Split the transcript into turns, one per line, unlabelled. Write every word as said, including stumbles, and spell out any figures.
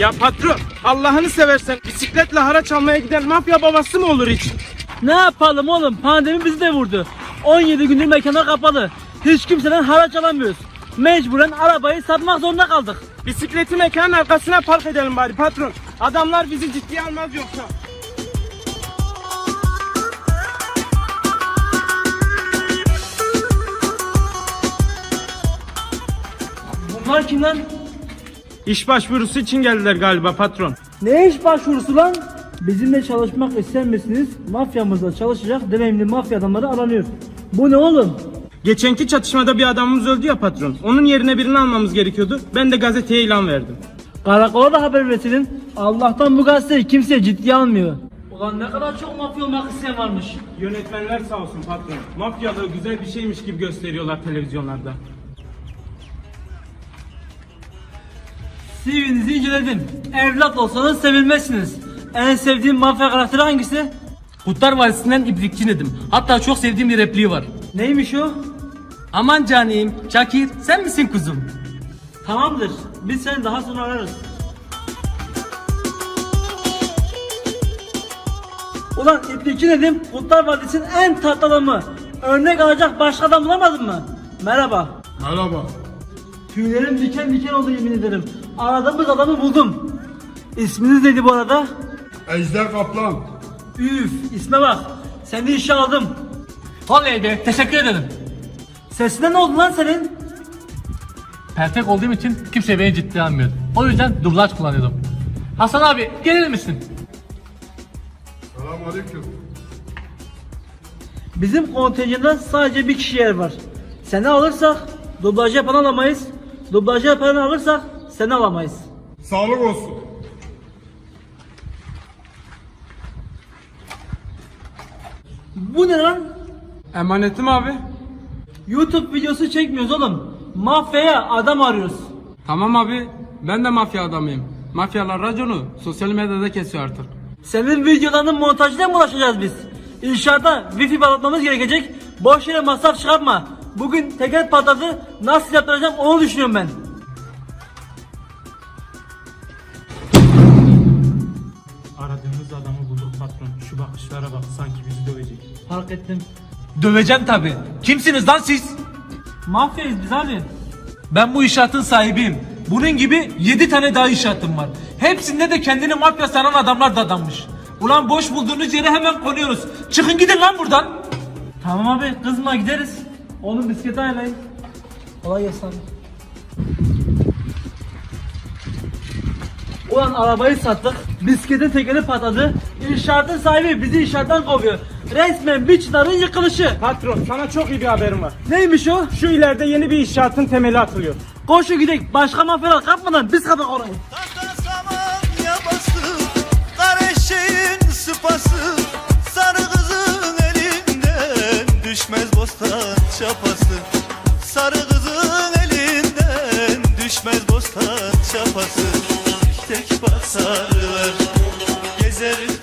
Ya patron, Allah'ını seversen bisikletle haraç almaya giden mafya babası mı olur hiç?
Ne yapalım oğlum? Pandemi bizi de vurdu. on yedi gündür mekanlar kapalı. Hiç kimseden haraç alamıyoruz. Mecburen arabayı satmak zorunda kaldık.
Bisikleti mekanın arkasına park edelim bari patron. Adamlar bizi ciddiye almaz yoksa.
Bunlar kim lan?
İş başvurusu için geldiler galiba patron.
Ne iş başvurusu lan? Bizimle çalışmak ister misiniz? Mafyamızda çalışacak deneyimli mafya adamları aranıyor. Bu ne oğlum?
Geçenki çatışmada bir adamımız öldü ya patron. Onun yerine birini almamız gerekiyordu. Ben de gazeteye ilan verdim.
Karakola da haber verin. Allah'tan bu gazeteyi kimse ciddiye almıyor. Ulan ne kadar çok mafya olmak isteyen varmış.
Yönetmenler sağ olsun patron. Mafyalığı güzel bir şeymiş gibi gösteriyorlar televizyonlarda.
C V'nizi inceledim. Evlat olsanız sevilmezsiniz. En sevdiğin mafya karakteri hangisi?
Kurtlar Vadisi'nden İbrikçi Nedim. Hatta çok sevdiğim bir repliği var.
Neymiş o?
Aman canim, Şakir sen misin kuzum?
Tamamdır. Biz seni daha sonra ararız. Ulan İbrikçi Nedim, Kurtlar Vadisi'nin en tatlı adamı. Örnek alacak başka adam bulamadın mı? Merhaba.
Merhaba.
Tüylerim diken diken oldu yemin ederim. Aradığımız adamı buldum. İsminiz neydi bu arada?
Ejder Kaplan.
Üf, isme bak. Seni işe aldım.
Vallahi de teşekkür ederim.
Sesine ne oldu lan senin?
Perfect olduğum için kimse beni ciddiye almıyor. O yüzden dublaj kullanıyordum. Hasan abi gelir misin?
Selamünaleyküm.
Bizim kontenjanda sadece bir kişi yer var. Seni alırsak dublaj yapan alamayız. Dublaj yapanı alırsak seni alamayız.
Sağlık olsun.
Bu ne lan?
Emanetim abi.
YouTube videosu çekmiyoruz oğlum. Mafyaya adam arıyoruz.
Tamam abi, ben de mafya adamıyım. Mafyalar raconu sosyal medyada kesiyor artık.
Senin videolarının montajına mı ulaşacağız biz? İnşaatta wifi bağlatmamız gerekecek. Boş yere masraf çıkartma. Bugün teker patladı. Nasıl yaptıracağım onu düşünüyorum ben.
Aradığımız adamı bulduk patron. Şu bakışlara bak, sanki bizi dövecek.
Fark ettim.
Döveceğim tabi. Kimsiniz lan siz?
Mafyayız biz abi.
Ben bu inşaatın sahibiyim. Bunun gibi yedi tane daha inşaatım var. Hepsinde de kendini mafya sanan adamlar dadanmış. Ulan boş bulduğunuz yere hemen konuyoruz. Çıkın gidin lan buradan.
Tamam abi kızma gideriz. Oğlum bisikleti ayarlayın. Kolay gelsin abi. Ulan arabayı sattık. Bisikletin tekeri patladı. İnşaatın sahibi bizi inşaattan kovuyor. Resmen bir çınarın yıkılışı.
Patron, sana çok iyi bir haberim var.
Neymiş o?
Şu ileride yeni bir inşaatın temeli atılıyor.
Koşu gidelim. Başka mafyalar kapmadan biz kapak orayı.
Tahta saman yabası, kara eşeğin sıpası, sarı kızın elinden düşmez bostan çapası. Sarı kızın elinden düşmez bostan çapası. Tek basarlar, gezer